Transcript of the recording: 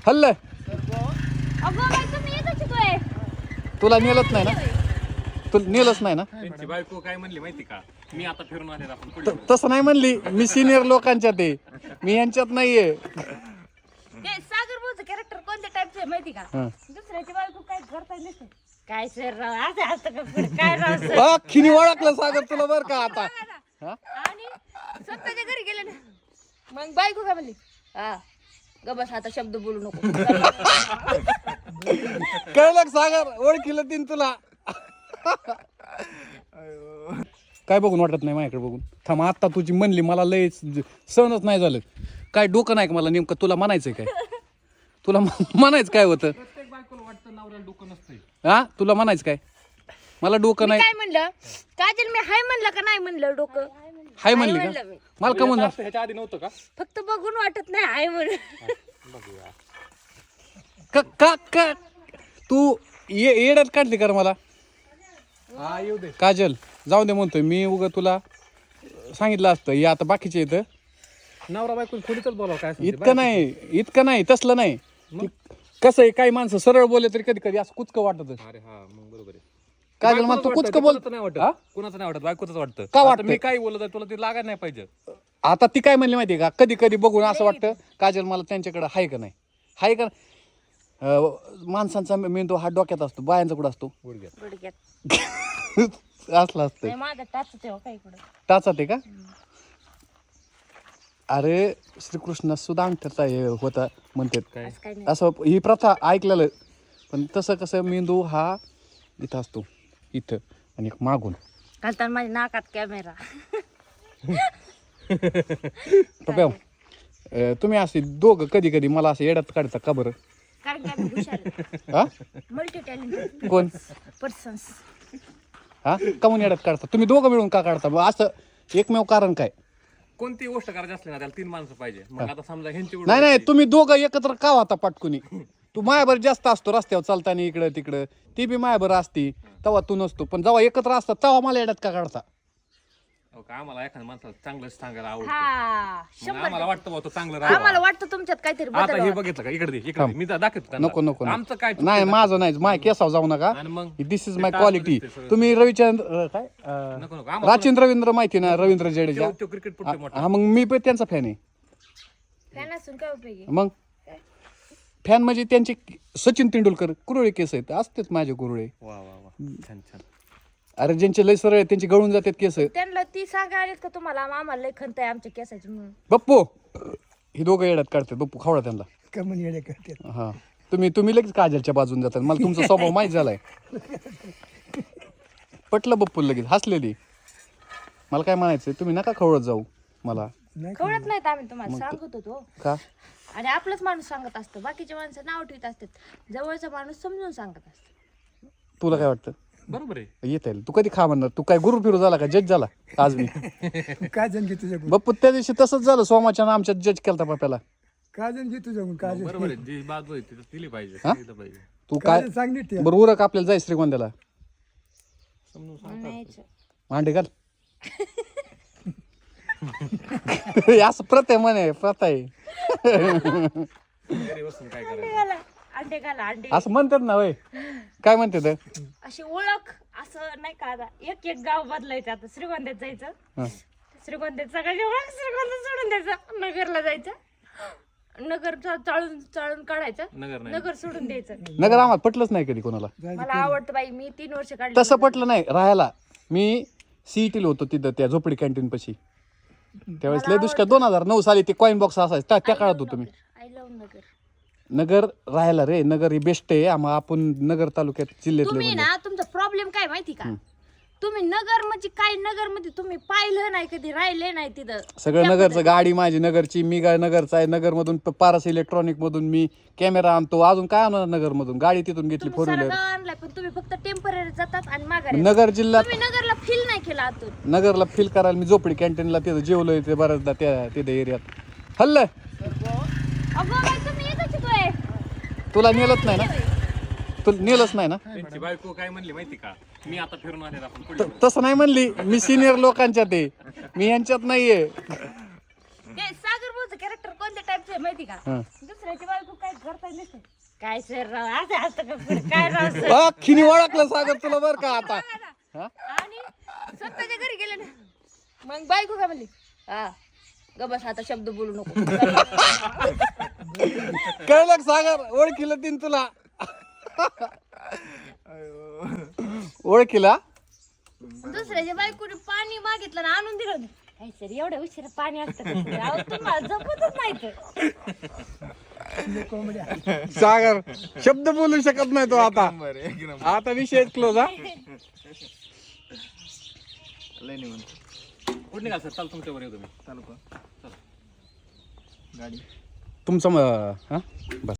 हल्ल अगं बाई तुम्ही येतच शिकतोय. तुला नेलच नाही ना, तुला नेलच नाही ना. त्यांची बायको काय म्हणली माहिती का, मी आता फिरून आले आपण पुढे तसं नाही म्हणली, मी सिनियर लोकांच्यात आहे, मी यांच्यात नाहीये. ते सागर भाऊचं कॅरेक्टर कोणत्या टाईपचं आहे माहिती का? हं. दुसऱ्याची बायको काय करता नसते. काय सर राव असं असतं का पुढे? काय राव सर? खिनी ओळखलं सागर तुला बर का आता. हा? आणि स्वतःच्या घरी गेले ना, मग बायको काय म्हणली? हा ग बस आता शब्द बोलू नको. कळलं का सागर, ओळखीलं तीन तुला. काय बघून वाटत नाही माझ्याकडे बघून. थांब, आता तुझी म्हणली मला लय सहनच नाही झालं. काय डोकं नाही का मला नेमकं तुला म्हणायचंय काय? तुला म्हणायचं काय होतं? प्रत्येक बायकोला वाटतं नवऱ्याला डोकं नसतंय. हा, तुला म्हणायचं काय? मला डोकं मी नाही. काय म्हणलं काजल, मी हाय म्हणलं का नाही म्हणलं? डोकं हाय म्हणली म्हणलं का? मी. मला का म्हणलं? ह्याच्या आधी नव्हतं का? फक्त बघून वाटत नाही हाय म्हणून. बघूया. का का का तू येड्यात काढली कर मला हा येऊ दे. काजल? जाऊ दे म्हणतोय मी, उगा तुला सांगितलं असतं. हे आता बाकीचे येतं नवरा बायको थोडीच बोलावं काय असेल ते. इतकं नाही तसलं नाही. कसं आहे, काही माणसं सरळ बोलले तरी कधी कधी असं कुचकं वाटत. अरे हा मग बरोबर आहे. काजल मला तू कुचकं बोल. नाही वाटत, हा? कुणाचं नाही वाटत, बायकोच वाटतं. का आता वाटतं? मी काय बोलत आहे तुला ते लागायला नाही पाहिजे. आता ती काय म्हणली माहितीये का, कधी कधी बघून असं वाटतं काजल मला त्यांच्याकडे हाय का नाही, हाय का. माणसांचा मेंदू हा डोक्यात असतो, बायांचा कुठं असतो? गुडघ्यात. गुडघ्यात असला असतं. नाही, माझा टाच तेव्हा काय इकडं. टाचात आहे का? अरे श्रीकृष्ण सुद्धा अंगठ्याचा हे होता म्हणतात काय असं काही नाही. असं, ही प्रथा ऐकलेलं. पण तसं कसं मेंदू हा इथं असतो, इथं, आणि एक मागून. घालताना माझ्या नाकात कॅमेरा. पप्या, तुम्ही असे दोघं कधी कधी मला असं येड्यात काढता का बरं? कारण की आम्ही हुशार हा, मल्टी टॅलेंटेड कोण? पर्सन्स. हा, का म्हणून येड्यात काढता तुम्ही दोघं मिळून का काढता? मग असं एकमेव कारण काय? कोणती गोष्ट करायची असली ना त्याला 3 माणसं पाहिजे. मग आता समजा ह्यांची नाही नाही, तुम्ही दोघं एकत्र का होता पाटकुनी? तू मायाभर जास्त असतो रस्त्यावर चालताना इकडं तिकडं, ती बी मायाभर असती, तेव्हा तू नसतो. पण जेव्हा एकत्र असतात तेव्हा मला येड्यात का काढता? आम्हाला एखाद्या माणसाला चांगलं सांगायला आवडतं. हा मग आम्हाला वाटतं बाबा तो चांगलं आम्हाला राहावा. वाटतं तुमच्यात काहीतरी आता बदल हे व्हावा. बघितलं का, इकडे दे, इकडे दे. मी दाखवतो त्यांना. नको नको आमचं काय चुकतं नाही, ना? माझं नाही, माय केसाव जाऊ नका. आणि मग दिस इज ते माय टाकून क्वालिटी. दिसते सगळं. तुम्ही रविचंद्र काय नको नको आम्हाला राचिन रवींद्र माहिती ना, रवींद्र जडेजा. तो क्रिकेट पुढे मोठा. हा, मग मी पण त्यांचा फॅन आहे. फॅन असून काय उपयोगी? मग फॅन म्हणजे त्यांचे सचिन तेंडुलकर कुरळे केस आहेत, असतेच माझे कुरळे. वा वा वा, छान छान. अरे ज्यांचे लय सरळ आहेत त्यांचे गळून जातात केस. त्यांना ती सांगा आलीत का तुम्हाला आम्हाला लय खंत आहे आमच्या केसाची म्हणून. बप्पू, हे दोघं येड्यात काढतात. बप्पू खावडा त्यांना. कमन येडे करते. हा, तुम्ही लगेच काजलच्या बाजून जातात. मला तुमचा स्वभाव माहीत झालाय. पटलं बप्पू लगेच हसलेली. मला काय म्हणायचंय, तुम्ही नका खवळत जाऊ मला. कळत नाहीत आम्ही तुम्हाला सांगत होतो. का? आणि आपलाच माणूस सांगत असतो, बाकीचे माणसं नाव ठेवत असतात, जवळचा माणूस समजून सांगत असतो. तुला काय वाटतं? बरोबर आहे. येत आहे. तू कधी खा म्हणणार? तू काय गुरु फिरू झाला का, जज झाला आज मी? काय जण घे तुझ्याकडून, बप्पू त्या दिवशी तसंच झालं, सोमाच्या आमच्या जज केलता पप्याला. काय जण घे तुझ्याकडून, काय बरोबर आहे. जी बाजू आहे ती दिली पाहिजे, हा? सांगितलं पाहिजे. तू काय जण सांग नीट. बरं उरक आपल्याला जाय श्रीगोंद्याला. समजून सांग. म्हणायचं. मांडे घाल. हे असं प्रथा म्हणे, प्रथा आहे. घरी बसून काय करायचं? अंडे घाला अंडे. असं म्हणतात ना वय, काय म्हणतात? अशी ओळख असं नाही का, आता एक एक गाव बदलायचं. आता श्रीगोंद्यात जायचं, हा. श्रीगोंद्यात सगळ्याची ओळख श्रीगोंद्यात सोडून द्यायचं, नगरला जायचं, नगर चाळून चाळून काढायचं, नगर नाही. नगर सोडून द्यायचं. नगर आम्हाला पटलंच नाही कधी कोणाला. मला आवडतं बाई, मी 3 वर्ष काढली. तसं पटलं नाही राहायला. मी सीईटीला होतो तिथं त्या झोपडी कॅन्टीन पाशी. त्यावेळेस लय दुष्काळ 2009 साली ते कॉईन बॉक्स असायचं, त्या काळात होतो मी. आय लव्ह नगर. नगर राहायला रे, नगर ही बेस्ट आहे. आपण नगर तालुक्यात जिल्ह्यातले तुम्ही म्हणजे. ना, तुमचा प्रॉब्लेम काय माहिती का, तुम्ही नगर म्हणजे काय, नगर मध्ये तुम्ही पाहिलं नाही, कधी राहिले नाही तिथं. सगळं नगरचं. गाडी माझी नगरची, मी काय नगरचा आहे. नगर मधून पारस इलेक्ट्रॉनिक मधून मी कॅमेरा आणतो. अजून काय आणणार नगर मधून? गाडी तिथून घेतली, तुम्ही 4 सारं व्हीलर. गाव आणलाय, पण तुम्ही फक्त टेम्पररी जातात आणि माघारी येतात. नगर जिल्ह्यात तुम्ही नगरला फील नाही केला आतून. नगरला फील करायला मी झोपडी कॅन्टीनला तिथं जेवलोय ते बऱ्याचदा त्या तिथे एरियात. हल्ल अगं बाई तुम्ही येतच शिकतोय. तुला नेलच नाही ना, तुला नेलंच नाही ना. त्यांची बायको काय म्हणली माहिती का, मी आता फिरून आले आपण पुढे. तसं नाही म्हणली, मी सिनियर लोकांच्यात आहे, मी यांच्यात नाहीये. ते सागर भाऊचं कॅरेक्टर कोणत्या टाईपचं आहे माहिती का? हं. दुसऱ्या दुसऱ्याची बायको काय करता नसते काय सर राव असं असतं का पुढं? काय राव सर अख्खीने ओळखलं सागर तुला बरं का आता हा? आणि स्वतःच्या घरी गेले ना मग बायको काय म्हणली हा ग बस आता शब्द बोलू नको कळलं का सागर ओळखीलं तीन तुला ओळखीला दुसऱ्याच्या बायकोने पाणी मागितलं ना आणून दिलं ना काय सर एवढ्या उशिरा पाणी असतं का? अहो, तुम्हाला जपतच नाही तर कोंबड्या सागर शब्द बोलू शकत नाही तो आता आता विषय क्लोज हा कुठे निघाल सर चाल तुमच्यावर येऊ तुम्ही तुमचं हा बस